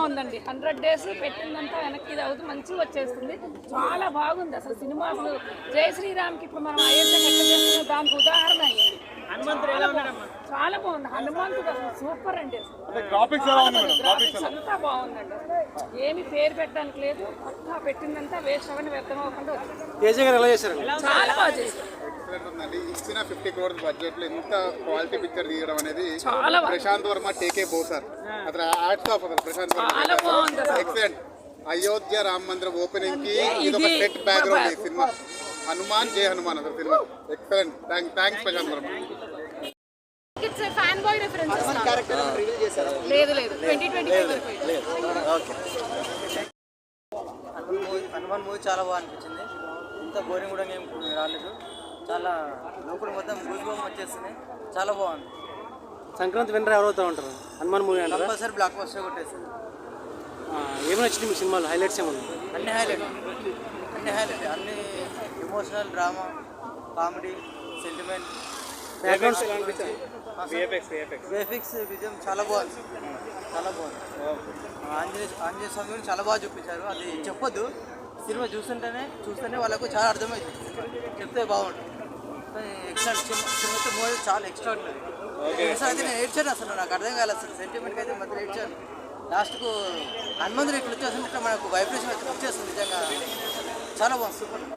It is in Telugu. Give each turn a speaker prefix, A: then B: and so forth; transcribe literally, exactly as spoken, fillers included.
A: బాగుందండి. హండ్రెడ్ డేస్ పెట్టిందంతా వెనక్కి ఇది అవుతూ మంచిగా వచ్చేస్తుంది. చాలా బాగుంది అసలు సినిమా. అసలు జై శ్రీరామ్కి ఇప్పుడు మనం అయోధ్య ఎట్లా చేస్తున్నాం దానికి ఉదాహరణ అయ్యింది. చాలా బాగుంది హనుమంతుడు అసలు సూపర్ అండి. అసలు అంతా బాగుందండి. అసలు ఏమి పేరు పెట్టడానికి లేదు. అంతా పెట్టిందంతా వేస్ట్ అవన్నీ వ్యర్థం అవ్వకుండా చాలా బాగా చేశారు.
B: ఇచ్చిన ఫిఫ్టీ క్రోర్స్ బడ్జెట్ లో ఇంత క్వాలిటీ పిక్చర్ తీయడం అనేది ప్రశాంత్ వర్మ టేకే పోసార్ అసలు హ్యాట్స్ ఆఫ్ అసలు ప్రశాంత్ వర్మ ఎక్సలెంట్. అయోధ్య రామ మందిరం ఓపెనింగ్ కి ఇది ఒక సెట్ బ్యాక్గ్రౌండ్ ఈ సినిమా. హనుమాన్ జై హనుమాన్ అసలు సినిమా excellent. Thanks Prashanth Varma.
A: It's a fan boy reference. Hanuman character reveal చేశారు. లేదు లేదు ట్వంటీ ట్వంటీ ఫైవ్ వరకు ఓకే.
C: హనుమాన్ మూవీ చాలా బాగా అనిపించింది. ఇంత బోరింగ్ కూడా ఏం రాలేదు. చాలా లోపల మొత్తం గూస్బంప్ వచ్చేస్తుంది. చాలా బాగుంది.
D: సంక్రాంతి విన్నర్ ఎవరవుతా ఉంటారు హనుమాన్ మూవీ అంటే
C: కంపల్సరీ బ్లాక్ బస్టర్ కొట్టేస్తుంది.
D: ఏమి నచ్చింది మీ సినిమాలో హైలైట్స్ ఏమన్నా?
C: అన్ని హైలైట్ అన్ని హైలైట్ అన్ని emotional, drama, comedy, sentiment, VFX విజయం చాలా బాగుంది. చాలా బాగుంది. ఆంజనేయ ఆంజనేయ స్వామి చాలా బాగా చూపించారు. అది చెప్పొద్దు, సినిమా చూస్తుంటేనే చూస్తేనే వాళ్ళకు చాలా అర్థమవుతుంది. చెప్తే బాగుంటుంది. ఎక్స్ట్రా సినిమా మూవీ చాలా ఎక్స్ట్రా ఉంటుంది. అసలు అయితే నేను ఏడ్చాను. అసలు నాకు అర్థం కాలేదు. అసలు సెంటిమెంట్కి అయితే మధ్యలో ఏడ్చాను. లాస్ట్కు హనుమంతుడు ఇట్లా వచ్చేస్తుంటే మనకు వైబ్రేషన్ వచ్చేస్తుంది. నిజంగా చాలా బాగుంది. సూపర్.